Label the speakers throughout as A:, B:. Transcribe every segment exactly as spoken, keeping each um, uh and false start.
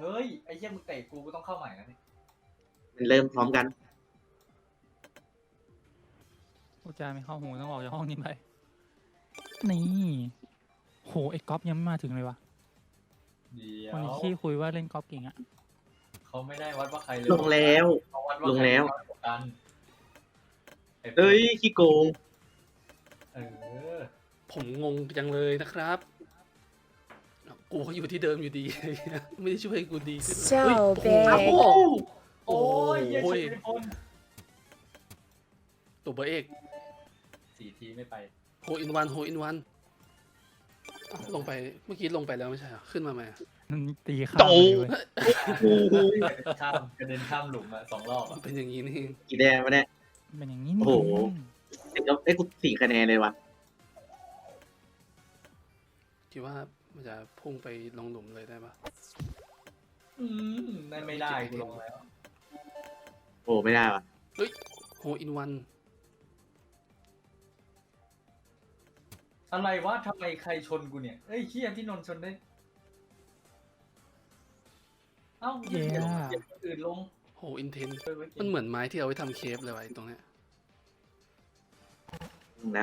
A: เฮ้ยไอ้เหี้ยมึงเตะกูกูต้องเข้าใหม่นะนี่
B: มันเริ่มพร้อมกัน
C: พูดจาไม่เข้าหูต้องออกจากห้องนี้ไปนี่โหไอ้ก๊อฟยังไม่มาถึงเลยวะ
A: เดี๋ย
C: วัน
A: ว
C: นี้ขี้คุยว่าเล่นก๊อฟเก่งอะ
A: เขาไม่ได้วัดว่าใครเลย
B: ลงแล้ว
A: เขาวัดว่า
B: ลง
A: ใคร
B: แล้ว
A: น้อยกว่ากันไ
B: เอ้ยขี้โกง
A: เออ
D: ผมงงจังเลยนะครับกูก็อยู่ที่เดิมอยู่ดี ไม่ได้ช่วยกูดีขึ้น
E: เจ้า
D: เฮ้ย
E: เบ
D: โอ้โห
A: โอ้ยเหี้ย
D: โอ้
A: ชิ
D: ย
A: บเป็นคน
D: ตัวเบอร์เอก
A: สี่ทีไม่ไป
D: โฮอินวันโฮอินวันลงไปเมื่อกี้ลงไปแล้วไม่ใช่เหรอขึ้นมาไหมอะ
C: มันตีข้ามเลยเว้ย
B: โอ้โห
A: ข้ามกระเด็นข้ามหลุมอะสองรอบ
D: มั
A: อะ
D: นเป็นอย่างนี้นี่เอง
B: กี่แดงวะเนี่ย
C: เป็นอย่างนี้นี่
B: โอ้โห เด็กก็ไอ้ยกูสี่คะแนนเลยว่ะ
D: คิดว่ามันจะพุ่งไปลงหลุมเลยได้ปะ
A: อืมได้ไม่ได้กูลงแล้ว
B: โอ้ไม่ได้ว่ะ
D: โฮอินวัน
A: อะไรวะทำไมใครชนกูเนี่ยเอ้ยเฮียพี่นนท์ชนได้ เอ้าเหี้ยเดี๋ยวเดี๋ยวคนอื่นลง
D: โฮอินเทน
A: เออว้ย
D: มันเหมือนไม้ที่เอาไว้ทำเคฟเลยวะไอ้ตรงเนี้ย
B: นะ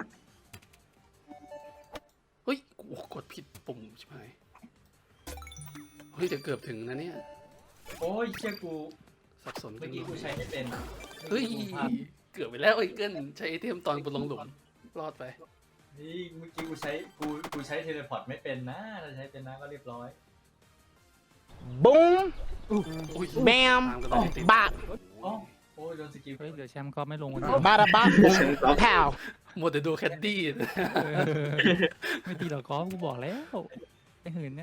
D: เฮ้ยกูกดผิดปุ่มใช่ไหมเฮ้ยแต่เกือบถึงนะเนี่ย
A: โอ้ยเชี่ยกู
D: สับสน
A: เมื่อกี้กูใช้ไม่เป็น
D: เฮ้ย
A: กูพลาด
D: เกือบไปแล้วไอ้เกิลใช้ไอเทมตอนกูลงหลุมรอดไป
A: นี่เมื่อกี้กูใช้กูกูใช้เทเลพอร์ตไม่เป็นนะถ้าใช้เป็นนะก็เรียบร้อย
F: Boom,
D: โอ้ย
F: bam,
D: ตามกันไปติด
F: bop,
A: อ๋อโอ้ยโดนสกิล
C: เฮ้ยเดี๋ยวแชมป์ก๊อฟไม่ลงวันนี้
F: bada bop, boom, pow.
D: หมดแต่ดูแคดดี้
C: เออไม่ตีหรอกก๊อฟกูบอกแล้วไอ้หืนเนี่ย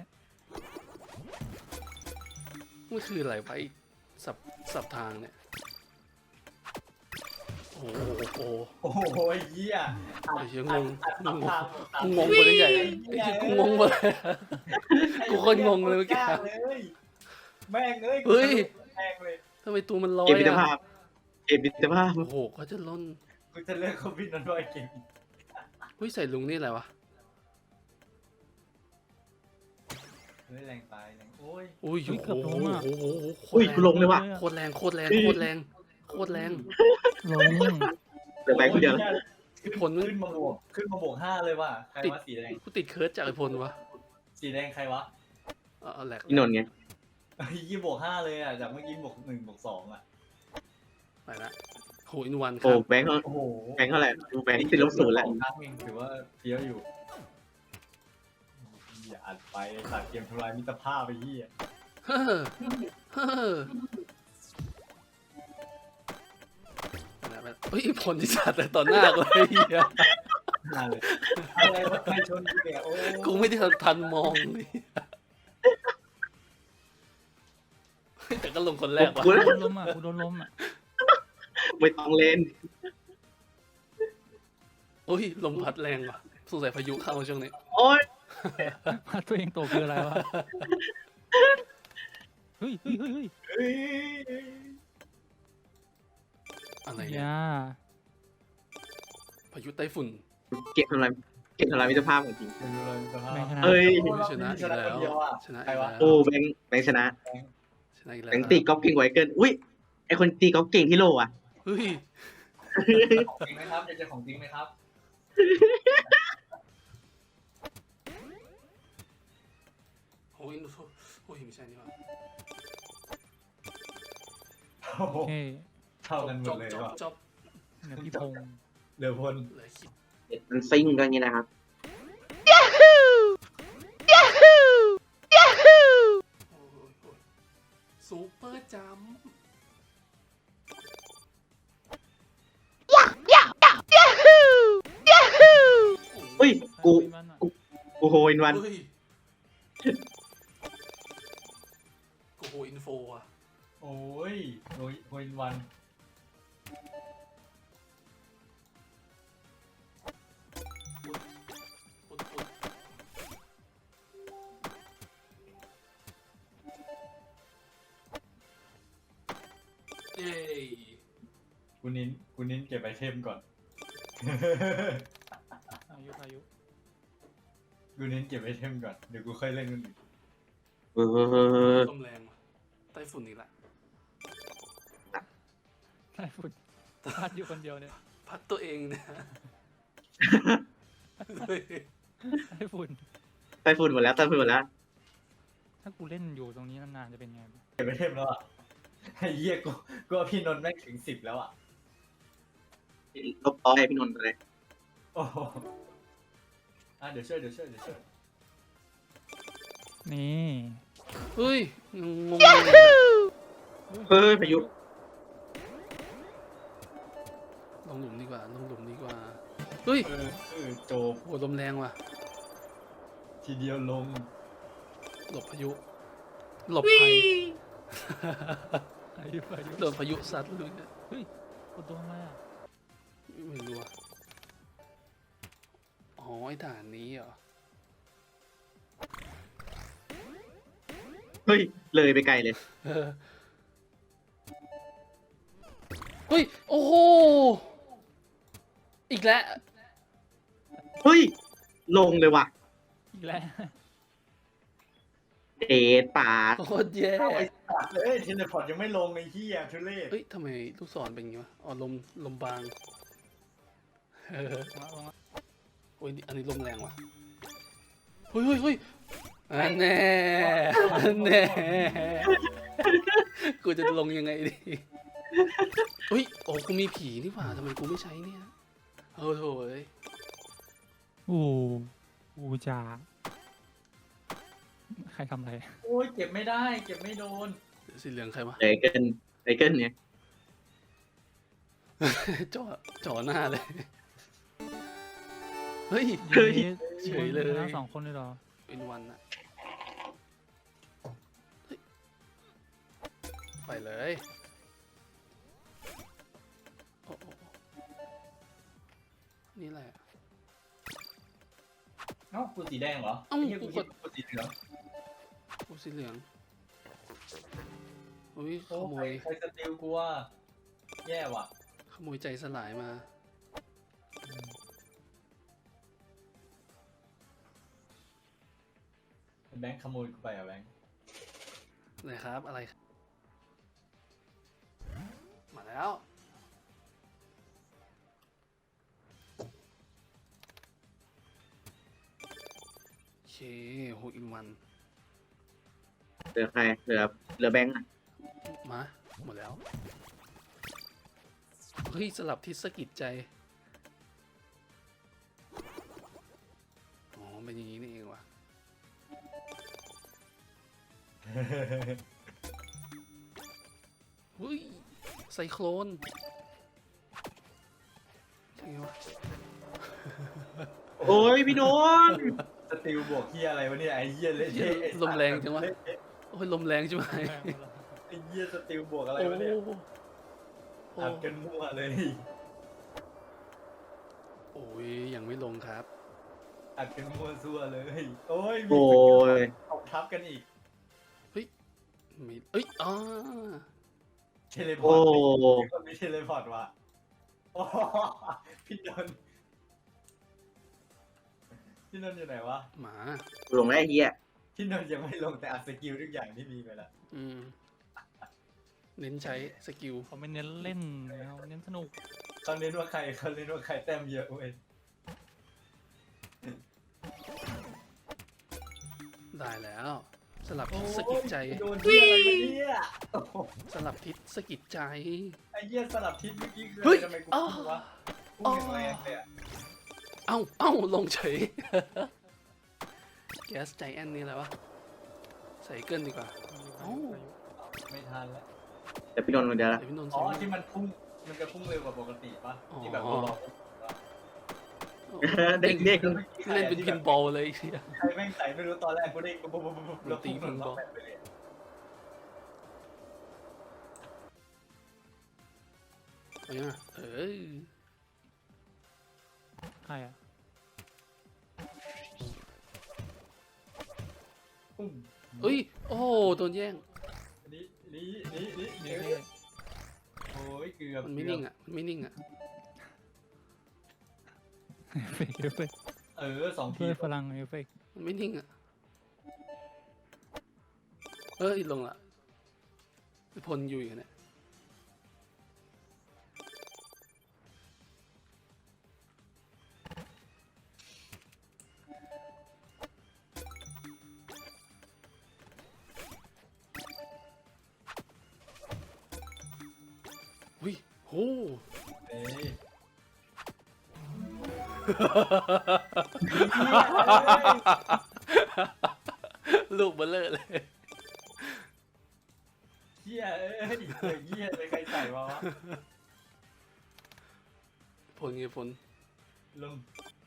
D: มันคืออะไรไปสับสับทางเนี่ยโอ้โหโอ้โห
A: โอ้โหเหี้ย
D: ไอ้เหี้ยงง
A: ตัด
D: งง
A: ทาง
D: กูงงไปได้ใหญ่ไอ้เหี้ยกูงงหมดเลย กูโคตรงงเลยเมื่อกี้
A: เลยแม่งเอ้ย
D: เฮ้ย
A: แม่งเลย
D: ทำไมตัวมันลอ
B: เก
D: ย
B: มมิตร
D: อะ
B: ภาพเกมมิตรภาพ
D: โอ้โหก็จะล้น
A: กูจะเลิกเขาพี่นนท์ด้วยเก่ง
D: เฮ้ยใส่ลุงนี่อะไรวะ
A: เฮ้ยแรงไปแรงโอ้ย
D: โอ้ยโอ้โหโอ้โหโอ้โหโค
B: อุ้ย
D: ตร
B: กูลงเลยว่ะ
D: โคตรแรงโคตรแรงโคตรแรงโคตรแรง
C: ลง
B: เหลือแบงค์คนเดียว
A: ขึ้น
D: ผลมัน
A: ขึ้นมาบวกขึ้นมาบวกห้าเลยว่ะใคร
D: ติด
A: วะสีแดง
D: กูติดเคิร์ดจากไอพลวะ
A: สีแดงใครวะ
D: เออแหลก
B: พี่นนท์ไง
A: เฮ้ยยี่บวกห้าเลยอ่ะจากเมื่อกี้บวกหนึ่งบวกสองอ่ะ
D: ไปละโหอินวันค
B: โอ้
D: รับ
B: แบงค์เขา
A: โอ้โห
B: แบงค์เท่าไหร่ดูแบงค์ติดลบศูนย์แล้ว
A: สองครั้งเองถือว่าเฟี้ยวอยู่อย่าอัดไปตัดเกมทำลายมิตรภาพไปยี่อ่ะ
D: เฮ้อเฮ้อไปละไปละเฮ้ยผลที่สัตว์แต่ต่อหน้ากูเลยเหี้ย
A: น่าเลยอะไรวะใครชนกูเนี่ยโอ้
D: กูไม่ได้ทันมองเลยเฮ้ยแต่ก็ลงคนแรกว่ะ
B: กู
C: กูโดนล้มอ่ะกูโดนล้มอ่ะ
B: ไม่ต้องเล่น
D: โอ้ยลมพัดแรงว่ะสงสัยพายุเข้าช่วงนี้
B: โอ้ย
C: พัดตัวเองตกคืออะไรวะเฮ้ยเฮ้ยเฮ้ยเฮ้ย
A: เฮ้ย
D: อะไร
C: อ
D: เนี่ย
C: ย่า
D: พายุไต้ฝุ่น
B: เก็บทำลายเก็บทำลายมิตรภาพของจริง
A: ไม่รู้เลยมิตรภาพ
C: แม่งชนะ
B: เอ้ย
D: โอ้ยชนะอีกแล้วชนะอีกแล้ว
B: โอ้แบงค์แบงค์ชนะ
D: ชนะอีกแล้
B: แบ
D: ว
B: งค์ตีกอล์ฟเก่งกว่าไอ้เกินอุ้ยไอคนตีกอล์ฟเก่งที่โลอ่ะ
D: เฮ้ย
A: ของจริงไหมครับจะเจอของจริงไหมครับ
D: โอ้ยโอ้ยไม่ใช่นี่หว่า
A: โอ้โห
C: เฮ้ย
A: เท่ากันหม
D: จ
A: ด
D: บ
A: เลย
D: จบ
A: ว่ะ
D: จบ
C: เดี๋ยวพี่พงษ์
A: เหลือพล
D: เหลือคิด
B: มันซิ่งกันอย่างนี้นะครับ
D: โอ้ยโอ้ยซูเปอร์จัมป์
B: เฮ้ยกู
C: ไปมันอะ
B: กูโฮอินวัน
D: เฮ้ยโอ้โหอินโฟอ่ะ
A: โอ้ยโอ้ยโอ้ยวัน
D: ปุ๊ดปุ๊ดเย้
A: กูนิ้นกูนิ้นเก็บไอเทมก่อน
C: อายุอายุ
A: กูนิ้นเก็บไอเทมก่อนเดี๋ยวกูค่อยเล่นมันอีก
B: เออ
D: ต้มแรงว่ะฝุ่นอีกละ
C: ไต้ฝุ่นพัดอยู่คนเดียวเนี่ย
D: พัดตัวเองนะเฮ้ย
C: ไต้ฝุ่น
B: ไต้ฝุ่นหมดแล้วไต้ฝุ่นหมดแล้ว
C: ถ้ากูเล่นอยู่ตรงนี้นานๆจะเป็นไง
A: เก็บไปเทมแล้วอ่ะไอ้เหี้ยกูกูว่าพี่นนท์แม่งถึงสิบแล้วอ่ะ
B: ลบร้อยพี่นนท์ไปเลย
A: โอ้โหอ่ะเดี๋ยวช่วยเดี๋ยวช่วยเดี๋ยวช่วย
C: นี่
D: เฮ้ยงงง
B: เฮ้ยพายุ
D: ลงหลุมดีกว่าลงหลุมดีกว่าเฮ้ย
A: เออเออโจบ
D: โหลมแรงว่ะ
A: ทีเดียวลง
D: หลบพายุหลบภัย
C: พายุพายุ
D: โดนพายุซัดเลยเนี่ย
C: เฮ้ยกดโดนอะไรอ่ะ
D: ไม่รู้อะอ๋อไอ้ด่านนี้เหรอ
B: เฮ้ยเลยไปไกลเลย
D: เออเฮ้ยโอ้โหอีกแล้ว
B: เฮ้ยลงเลยว่ะ
C: อีกแล้ว
B: เดทป่า
D: โคตรแย่
A: เอาไอ้สัตว์เลยเทเลพอร์ตยังไม่ลงไอ้เหี้ยทุเรศ
D: เอ้ยทำไมลูกศรเป็นอย่างงี้วะอ๋อลมลมบางเออ
C: มามามา
D: โอ้ยอันนี้ลมแรงว่ะเฮ้ยเฮ้ยเฮ้ยอันแน่อันแน่กูจะลงยังไงดีเฮ้ยโอ้กูมีผีนี่หว่าทำไมกูไม่ใช้เนี่ยเออโถ่เอ้ย
C: โอ้อูจ่าใครทำอะไร
A: โอ้ยเก็บไม่ได้เก็บไม่โดน
D: สีเหลืองใครวะ
B: เลยเกินเลยเกินเนี่ย
D: จ่อจ่อหน้าเลยเฮ้ย
B: เฮ้ย
D: เฉยเลย
C: ทั้งสองคนเลยเหรอ
D: เป็นวันอะเฮ้ยไปเลยโอ้โอ้โอ้นี่แหละ
A: เอ้ากูสีแดงเหรอ
D: เอ้า
A: ไอ้เหี้ยกู
D: กู
A: คิ
D: ก
A: ด
D: ด
A: กูสีเหลือง
D: โอ้สีเหลืองอุ้ยข
A: โอ้
D: โม
A: ใคร
D: ย
A: ใครสติลกูว่าแย่ว่ะ
D: ขโมยใจสลายมา
A: แบงค์ขโมยกูไปอ่ะแบงค์
D: อะไรครับอะไรครับมาแล้ว โอเคโหอินวัน
B: เหลือใครเหลือเหลือแบงค์อะ
D: มาหมดแล้ว เฮ้ย สลับทิศสะกิดใจ อ๋อ เป็นอย่างนี้นี่เองว่ะ เฮ้ย ไซโคลนใช่ไงวะ
B: โอ้ยพี่นนท์
A: สติลบวกเหี้ยอะไรวะเนี่ยไอ้เหี้ยเละ
D: เหี้ย
A: เทะไอ้สัตว์
D: ลมแรงจังวะ โอ้ย ลมแรงใช่ไหม
A: ไอ้เหี้ยสติลบวกอะไร
D: โอ้
A: วะเนี่ย
D: โอ้
A: อัดกันมั่วเลย
D: โอ้ย ยังไม่ลงครับ
A: อัดกันมั่วซั่วเลย โอ้ยมี
B: โอ้ย
A: ตกทับกันอีก
D: ไม่เอ้ยอ๋อ
A: เทเลพอ
B: โอ้
A: ร์ตมีคนมีเทเลพอร์ตว่ะโอ้โหพี่นนท์พี่นนท์อยู่ไหนวะ
D: หมา
B: ลงแล้วไอ้เหี้ย
A: พี่นนท์ยังไม่ลงแต่อัดสกิลทุกอย่างที่มีไปแล้ว
D: อืม เน้นใช้สกิล
C: เขาไม่เน้นเล่นเขาเน้นสนุก
A: เขาเน้นว่าใครเขาเน้นว่าใครแต้มเยอะเว้ย
D: ได้แล้ว สลับทิศสะกิดใจ
A: โดนที่อะไรวะเนี่ยโอ้โห
D: สลับทิศสะกิดใจ
A: ไอ้เหี้ยสลับทิศเมื่อกี้คือ
D: เฮ้
A: อะไร
D: ย
A: ทำไมกู
D: อ้าว
A: พุ่งวะพุ่งแรงๆเลยอะ
D: เอ้า เอ้า ลงเฉย แก๊สใจแอนนี่อะไรวะ ใส่เกินดีกว่า เอ้า
A: ไม่ทันแล้ว
B: แต่พี่นนท์คนเดียวละ
D: เดี๋ยวพี่นนท์
A: อ๋อ
D: ใส่
A: ที่มันพุ่งมันจะพุ่งเร็วกว่าปกติปะ
D: อ๋อ
A: ที่แบบเรารอ
B: เด็กเด็ก
D: เล่นเป็นพินบอลเลยเชีย
A: ใครแม่งใส่ไม่รู้ตอนแรกกูได้ปุ๊บปุ๊บปุ๊บปุ๊บแล้วพุ่งหนุนล็อกแบบไปเลย
D: เอายังอะเอ้ย
C: ใครอ่ะ
A: ปุ้ม
D: เอ้ย โอ้โหโดนแย่ง
A: นี่นี่นี่นี่
C: นี่
A: นี่
C: นี่
A: โอ้ยเกือบ
D: มันไม่นิ่งอ่ะ มันไม่นิ่งอ่ะ
C: เอฟเฟกต์เอฟเฟกต์
A: เออสองที
C: เพื่อพลังเอฟเฟกต์
D: มันไม่นิ่งอ่ะ เอ้ย ลงละพลอยู่อย่างเนี้ยอุ้ยโห
A: เอ้ย
D: ลูกเบลเลอร์เลย
A: เฮียเอ้ยเฮ้ยเฮียเลยใครใส่มาวะ
D: พลไงพล
A: ลง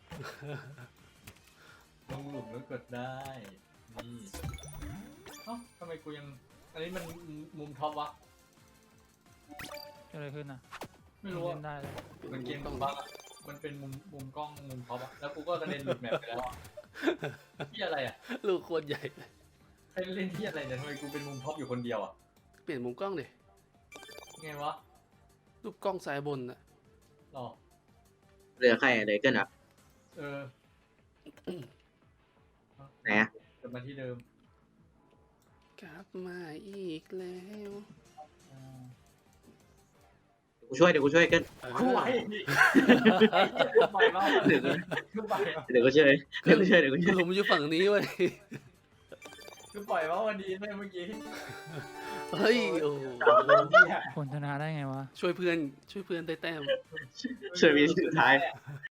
A: ลงหลุมแล้วกดได้นี่เอ้าทำไมกูยังอันนี้มันมุมท็อปวะ
C: เกิดอะไรขึ้นอ่ะ
A: ไม่รู้
C: เล่
A: อะ
C: นได้เลย
A: มันเกมต้องบั๊กอะมันเป็นมุมมุมกล้องมุมท็อปอะแล้วกูก็กระเด็นหลุดแมปไปแล้วอะที่อะไรอะ
D: ลูกโคตรใหญ่เลย
A: ใครเล่นที่อะไรเนี่ยทำไมกูเป็นมุมท็อปอยู่คนเดียวอะ
D: เปลี่ยนมุมกล้องดิ
A: ไงวะ
D: รูปกล้องซ้ายบนน่ะ
A: หรอ
B: เหลือใครเหลือเกินอ่ะ
A: เออ
B: ไหนอ่ะ
A: กลับมาที่เดิม
D: กลับมาอีกแล้ว
A: อ่า
B: กูช่วยเดี๋ยวกูช่วยเกิน
D: เออ
A: กูไหวนี่ไอ้เหี้ยกูไปมาก
B: เดี๋ยวกู
A: กูไปมาก
B: เดี๋ยวกูช่วยเดี๋ยวกูช่วยเดี๋ยวกูช่วย
D: หลุมอยู่ฝั่งนี้เว้ย
A: กูปล่อยว่าวันนี้เลยเมื่อกี้
D: เฮ้ยโอ้โห
C: ผลชนะได้ไงวะ
D: ช่วยเพื่อนช่วยเพื่อนได้แต้ม
B: ช่วยมีสุดท้าย